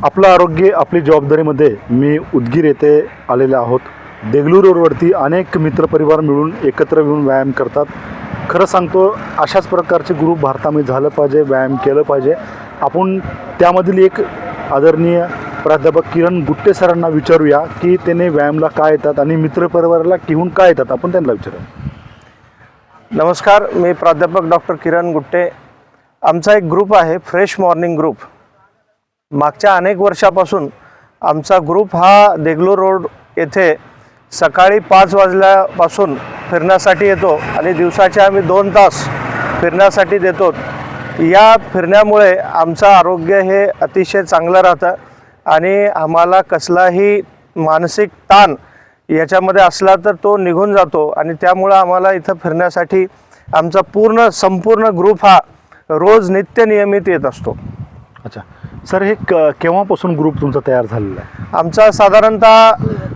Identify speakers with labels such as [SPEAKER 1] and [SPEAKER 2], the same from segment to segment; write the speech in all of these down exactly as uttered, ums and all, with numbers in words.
[SPEAKER 1] आपलं आरोग्य आपली जबाबदारीमध्ये मी उदगीर येथे आलेले आहोत। देगलूर रोडवरती अनेक मित्रपरिवार मिळून एकत्र येऊन व्यायाम करतात। खरं सांगतो अशाच प्रकारचे ग्रुप भारतामध्ये झालं पाहिजे, व्यायाम केलं पाहिजे। आपण त्यामधील एक आदरणीय प्राध्यापक किरण गुट्टे सरांना विचारूया की त्याने व्यायामला काय येतात आणि मित्रपरिवाराला घेऊन काय येतात, आपण त्यांना विचारूया।
[SPEAKER 2] नमस्कार, मी प्राध्यापक डॉक्टर किरण गुट्टे। आमचा एक ग्रुप आहे फ्रेश मॉर्निंग ग्रुप। मागच्या अनेक वर्षापासून आमचा ग्रुप हा देगलूर रोड येथे सकाळी पाच वाजल्यापासून फिरण्यासाठी येतो आणि दिवसाचे आम्ही दोन तास फिरण्यासाठी देतो। या फिरण्यामुळे आमचं आरोग्य हे अतिशय चांगलं राहतं आणि आम्हाला कसलाही मानसिक ताण याच्यामध्ये असला तर तो निघून जातो आणि त्यामुळे आम्हाला इथं फिरण्यासाठी आमचा पूर्ण संपूर्ण ग्रुप हा रोज नित्य नियमित येत असतो।
[SPEAKER 1] अच्छा सर, हे क केव्हापासून ग्रुप तुमचा तयार झालेला आहे?
[SPEAKER 2] आमचा साधारणतः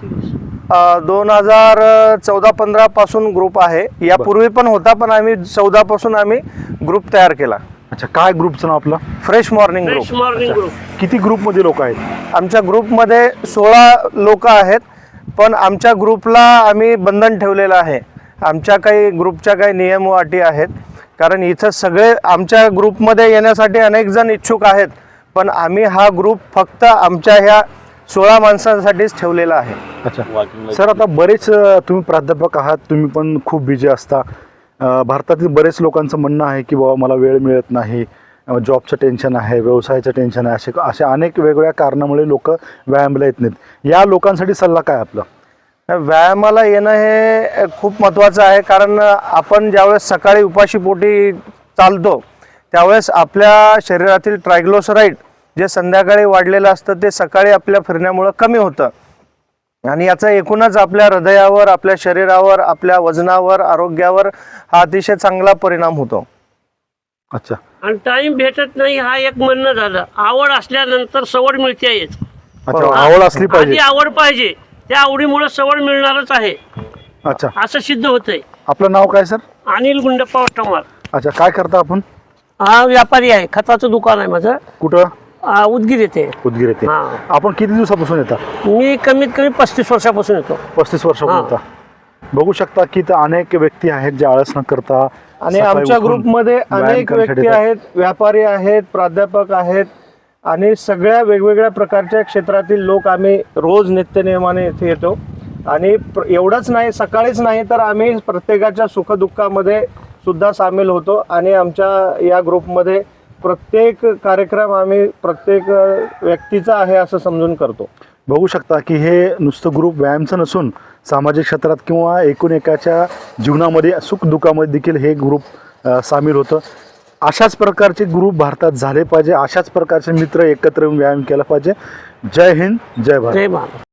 [SPEAKER 2] दोन हजार चौदा पंधरा पासून ग्रुप आहे। यापूर्वी पण होता, पण आम्ही चौदा पासून आम्ही ग्रुप तयार केला।
[SPEAKER 1] अच्छा, काय ग्रुपचं नाव आपलं?
[SPEAKER 2] Fresh morning
[SPEAKER 3] fresh
[SPEAKER 2] group.
[SPEAKER 3] Morning group.
[SPEAKER 1] किती ग्रुपमध्ये लोक आहेत?
[SPEAKER 2] आमच्या ग्रुपमध्ये सोळा लोक आहेत, पण आमच्या ग्रुपला आम्ही बंधन ठेवलेलं आहे। आमच्या काही ग्रुपच्या काही नियम व अटी आहेत, कारण इथं सगळे आमच्या ग्रुपमध्ये येण्यासाठी अनेक जण इच्छुक आहेत, पण आम्ही हा ग्रुप फक्त आमच्या ह्या सोळा माणसांसाठीच ठेवलेला आहे।
[SPEAKER 1] अच्छा सर, आता बरेच तुम्ही प्राध्यापक आहात, तुम्ही पण खूप बिझी असता। भारतातील बरेच लोकांचं म्हणणं आहे की बाबा मला वेळ मिळत नाही, जॉबचं टेन्शन आहे, व्यवसायाचं टेन्शन आहे, असे असे अनेक वेगवेगळ्या कारणामुळे लोक व्यायामाला येत नाहीत। या लोकांसाठी सल्ला काय आपला?
[SPEAKER 2] व्यायामाला येणं हे खूप महत्त्वाचं आहे, कारण आपण ज्यावेळेस सकाळी उपाशीपोटी चालतो त्यावेळेस आपल्या शरीरातील ट्रायग्लिसराईड जे संध्याकाळी वाढलेलं असतं ते सकाळी आपल्या फिरण्यामुळं कमी होतं आणि याचा एकूणच आपल्या हृदयावर, आपल्या शरीरावर, आपल्या वजनावर, आरोग्यावर हा अतिशय चांगला परिणाम होतो।
[SPEAKER 1] अच्छा,
[SPEAKER 3] आणि टाइम भेटत नाही हा एक म्हणणं झालं। आवड असल्यानंतर सवड मिळते येत।
[SPEAKER 1] अच्छा, आवड असली
[SPEAKER 3] आधी
[SPEAKER 1] पाहिजे।
[SPEAKER 3] आवड पाहिजे, त्या आवडीमुळे सवड मिळणारच आहे,
[SPEAKER 1] अच्छा,
[SPEAKER 3] असं सिद्ध होतंय।
[SPEAKER 1] आपलं नाव काय सर?
[SPEAKER 3] अनिल गुंडप्पा वटमार।
[SPEAKER 1] अच्छा, काय करता आपण?
[SPEAKER 3] हा व्यापारी आहे, खताचं दुकान आहे माझं।
[SPEAKER 1] कुठं?
[SPEAKER 3] आ, उदगीर येते।
[SPEAKER 1] उदगीर येते।
[SPEAKER 3] हा।
[SPEAKER 1] आपण किती दिवसापासून येता?
[SPEAKER 3] मी कमीत कमी पस्तीस वर्षापासून येतो।
[SPEAKER 1] पस्तीस वर्षापासून येता। बघू शकता की इथं अनेक व्यक्ती आहेत जे आळस न करता
[SPEAKER 2] आणि
[SPEAKER 1] सकाळी
[SPEAKER 2] आमच्या
[SPEAKER 1] उठून
[SPEAKER 2] ग्रुपमध्ये
[SPEAKER 1] व्यायाम
[SPEAKER 2] अनेक
[SPEAKER 1] करण्यासाठी
[SPEAKER 2] व्यक्ती
[SPEAKER 1] येतात।
[SPEAKER 2] आहेत, व्यापारी आहेत, प्राध्यापक आहेत आणि सगळ्या वेगवेगळ्या प्रकारच्या क्षेत्रातील लोक आम्ही रोज नित्यनियमाने इथे येतो। आणि एवढंच नाही, सकाळीच नाही तर आम्ही प्रत्येकाच्या सुखदुःखामध्ये सुद्धा सामील होतो आणि आमच्या या ग्रुपमध्ये प्रत्येक कार्यक्रम आम्ही प्रत्येक व्यक्तीचा आहे असं समजून करतो।
[SPEAKER 1] बघू शकता की हे नुसतं ग्रुप व्यायामचं नसून सामाजिक क्षेत्रात किंवा एकूण एकाच्या जीवनामध्ये सुखदुःखामध्ये देखील हे ग्रुप सामील होतं। अशाच प्रकारचे ग्रुप भारतात झाले पाहिजे, अशाच प्रकारचे मित्र एकत्र येऊन व्यायाम केला पाहिजे। जय हिंद, जय भारत।
[SPEAKER 3] जय महाराज।